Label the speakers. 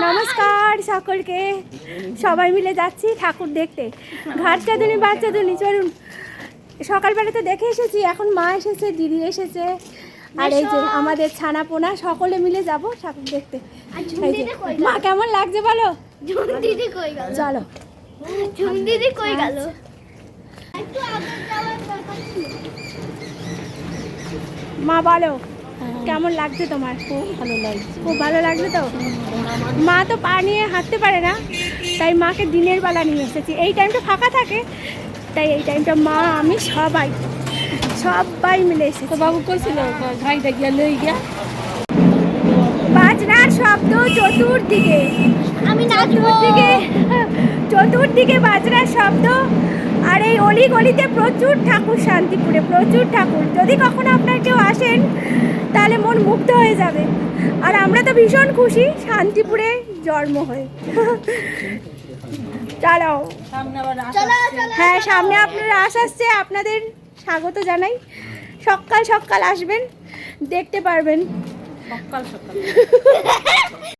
Speaker 1: নমস্কার সকলকে, সবাই মিলে যাচ্ছি ঠাকুর দেখতে। ঘাটচাঁদুনি বাচ্চাদুনি চলুন। সকালবেলা তো দেখে এসেছি, এখন মা এসেছে, দিদি এসেছে, আর এই যে আমাদের ছানাপোনা, সকলে মিলে যাব ঠাকুর দেখতে। মা কেমন লাগছে বলো? চলো। মা বলো কেমন লাগছে তোমার? খুব ভালো লাগছে। খুব ভালো লাগছে তো? মা তো পা নিয়ে হাঁটতে পারে না, তাই মাকে দিনের বেলা নিয়ে এসেছি। এই টাইমটা ফাঁকা থাকে, তাই এই টাইমটা মা আমি সবাই মিলে এসেছি।
Speaker 2: তো বাবু করছিল ঘাইটা গিয়া লই গিয়া
Speaker 1: বাজনার শব্দ চতুর্দিকে, চতুর্দিকে বাজনার শব্দ। আর এই অলি গলিতে প্রচুর ঠাকুর, শান্তিপুরে প্রচুর ঠাকুর। যদি কখনো আপনার কেউ আসেন তাহলে মন মুগ্ধ হয়ে যাবে। আর আমরা তো ভীষণ খুশি শান্তিপুরে জন্ম হয়ে। চলো, হ্যাঁ সামনে আপনারা আসছে, আপনাদের স্বাগত জানাই। সকাল সকাল আসবেন, দেখতে পারবেন।
Speaker 2: সকাল সকাল